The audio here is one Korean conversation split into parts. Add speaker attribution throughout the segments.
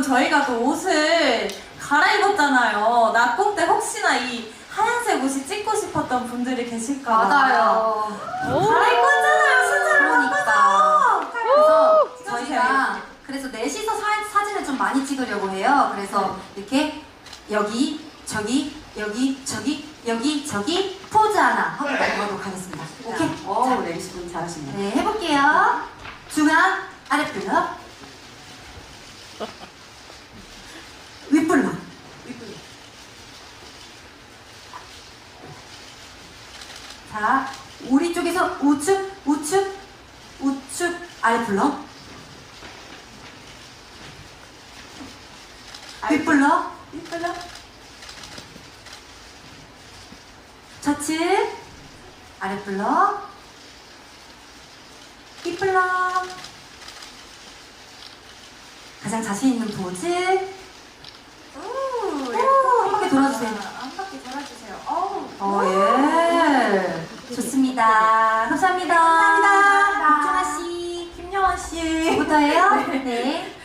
Speaker 1: 저희가 또 옷을 갈아입었잖아요. 낙공 때 혹시나 이 하얀색 옷이 찍고 싶었던 분들이 계실까 봐.
Speaker 2: 맞아요.
Speaker 1: 갈아입었잖아요. 순서를
Speaker 2: 그러니까. 그래서
Speaker 1: 찍어주세요.
Speaker 2: 저희가 그래서 넷이서 사진을 좀 많이 찍으려고 해요. 그래서 이렇게 여기, 저기, 여기, 저기, 여기, 저기 포즈 하나 하고 나가도록 하겠습니다. 오케이? 자,
Speaker 3: 레이시분 잘하시네요.
Speaker 2: 네, 해볼게요. 중앙, 아래 블럭. 윗 블럭. 자, 우리 쪽에서 우측, 우측, 우측, 아래 블럭. 윗 블럭.
Speaker 1: 이쁘죠?
Speaker 2: 좌측, 아래 블럭. 윗 블럭. 가장 자신 있는 포즈.
Speaker 1: 오,
Speaker 2: 한 바퀴 돌아주세요.
Speaker 1: 한 바퀴 돌아주세요. 어우.
Speaker 2: 예. 좋습니다. 감사합니다.
Speaker 1: 감사합니다.
Speaker 2: 박준하 씨,
Speaker 1: 김영원 씨.
Speaker 2: 저부터예요? 네.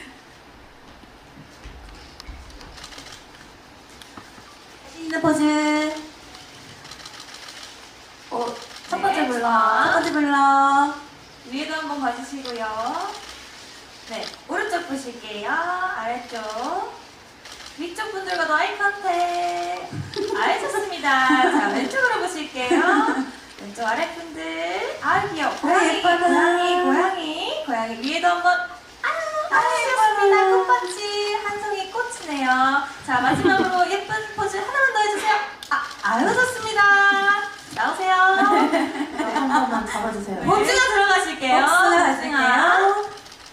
Speaker 2: 자신 있는 포즈. 첫 번째
Speaker 1: 네,
Speaker 2: 블럭. 첫 번째 블럭.
Speaker 1: 위에도 한번 봐주시고요. 네, 오른쪽 보실게요. 아래쪽. 위쪽 분들과도 아이 컨택. 아이 좋습니다. 자, 왼쪽으로 보실게요. 왼쪽 아래 분들. 아, 귀여워. 고양이,
Speaker 2: 예뻐라.
Speaker 1: 고양이, 고양이. 고양이 위에도 한번. 좋습니다. 꽃받치 한 송이 꽃이네요. 자, 마지막으로 예쁜 포즈 하나만 더 해주세요. 아유, 좋습니다. 나오세요.
Speaker 3: 한 번만 잡아주세요.
Speaker 1: 복숭아 들어가실게요.
Speaker 2: 복숭아 가실게요.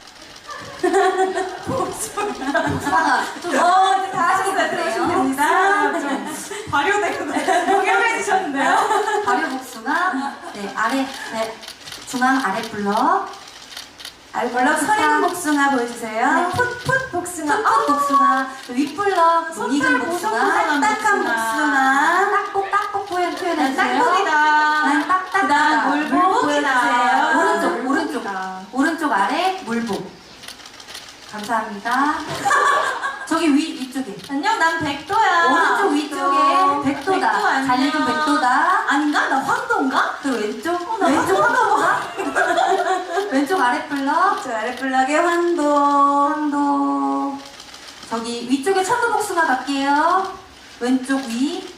Speaker 2: 복숭아. 좀
Speaker 1: 이제 다 하셨어요.
Speaker 2: 네.
Speaker 1: 들어오시면 됩니다. 좀 발효되고 동요해지셨는데요.
Speaker 2: 발효 복숭아. 네, 아래, 네, 중앙 아래 블럭. 아래 블럭
Speaker 1: 서리는 복숭아 보여주세요.
Speaker 2: 네, 풋풋 복숭아. 풋풋 복숭아. 윗 블럭 익은 복숭아. 딱딱한 복숭아. 딱복 표현해주세요.
Speaker 1: 딱복이다.
Speaker 2: 난 딱딱하다.
Speaker 1: 그다음 물복 보여주세요.
Speaker 2: 오른쪽 오른쪽 아래 물복. 감사합니다. 저기 위쪽에.
Speaker 1: 안녕, 난 백도야.
Speaker 2: 오른쪽 위쪽에 백도다.
Speaker 1: 백도 안녕.
Speaker 2: 잘 익은 백도다.
Speaker 1: 아닌가? 나 황도인가?
Speaker 2: 또 왼쪽.
Speaker 1: 나
Speaker 2: 왼쪽
Speaker 1: 황도.
Speaker 2: 왼쪽 아래 블럭.
Speaker 1: 저 아래 블럭에 황도.
Speaker 2: 황도. 저기 위쪽에 천도복숭아 갈게요. 왼쪽 위.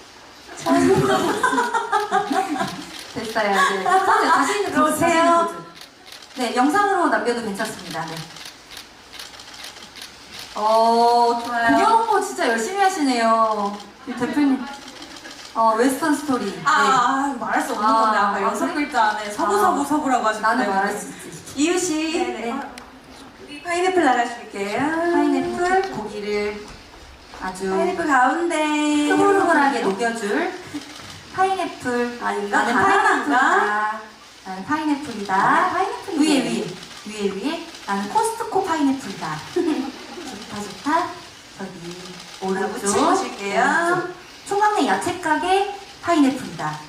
Speaker 2: 됐어요. 네. 다시 있는
Speaker 1: 들어오세요.
Speaker 2: 네, 영상으로 남겨도 괜찮습니다. 네. 좋아요. 공연 홍보 진짜 열심히 하시네요. 이 대표님. 웨스턴 스토리. 네.
Speaker 1: 말할 수 없는 건데 아까 여섯
Speaker 2: 그래?
Speaker 1: 글자 안에 서부라고 하셨는데.
Speaker 2: 나는 말할 수 있지.
Speaker 1: 이유씨.
Speaker 2: 네네.
Speaker 1: 우리 파인애플 나가실게요.
Speaker 2: 파인애플 고기를 아주
Speaker 1: 파인애플 가운데.
Speaker 2: 흐물흐물하게 녹여줄 파인애플.
Speaker 1: 아닌가?
Speaker 2: 나는
Speaker 1: 바나나인가?
Speaker 2: 파인애플이다. 나는 파인애플이다.
Speaker 1: 파인애플이네.
Speaker 2: 위에. 나는 코스트코 파인애플이다. 좋다. 저기 오른쪽.
Speaker 1: 붙이고 오실게요.
Speaker 2: 오른쪽. 총각내 야채 가게 파인애플이다.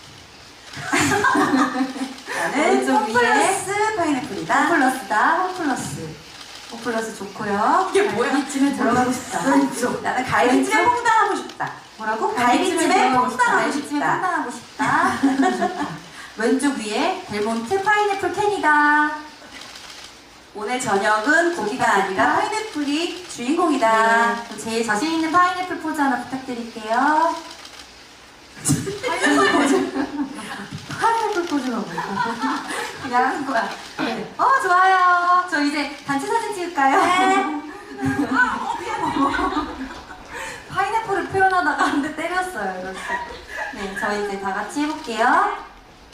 Speaker 1: 나는
Speaker 2: 왼쪽 위에
Speaker 1: 홈플러스 파인애플이다.
Speaker 2: 홈플러스다. 홈플러스 좋고요.
Speaker 1: 이게 뭐야?
Speaker 2: 갈비찜에 들어가고 싶다.
Speaker 1: 왼쪽. 나는 갈비찜에
Speaker 2: 왼쪽.
Speaker 1: 퐁당하고 싶다.
Speaker 2: 뭐라고?
Speaker 1: 갈비찜에 퐁당하고
Speaker 2: 갈비찜에
Speaker 1: 싶다.
Speaker 2: 퐁당하고 싶다. 좋다. 왼쪽 위에 델몬트 파인애플 캔이다.
Speaker 1: 오늘 저녁은 고기가 아니라 파인애플이 주인공이다.
Speaker 2: 네, 제일 자신 있는 파인애플 포즈 하나 부탁드릴게요. 파인애플 포즈. 파인애플 포즈가 뭐야? 그냥 하는 거야. 네. 좋아요. 저 이제 단체 사진 찍을까요? 네. 파인애플을 표현하다가 한 대 때렸어요. 이렇게. 네, 저희 이제 다 같이 해볼게요.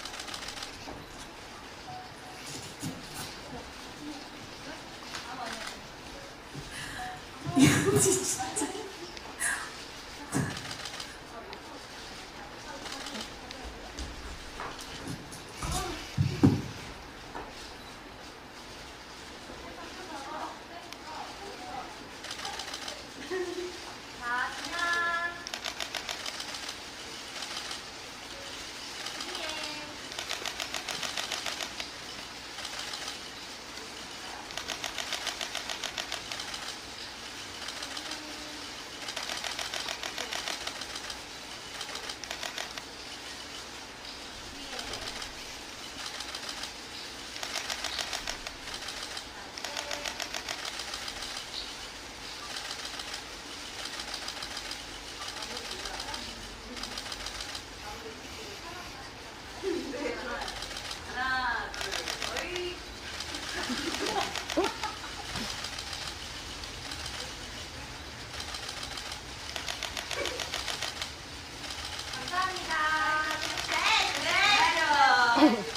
Speaker 1: 진짜. 네.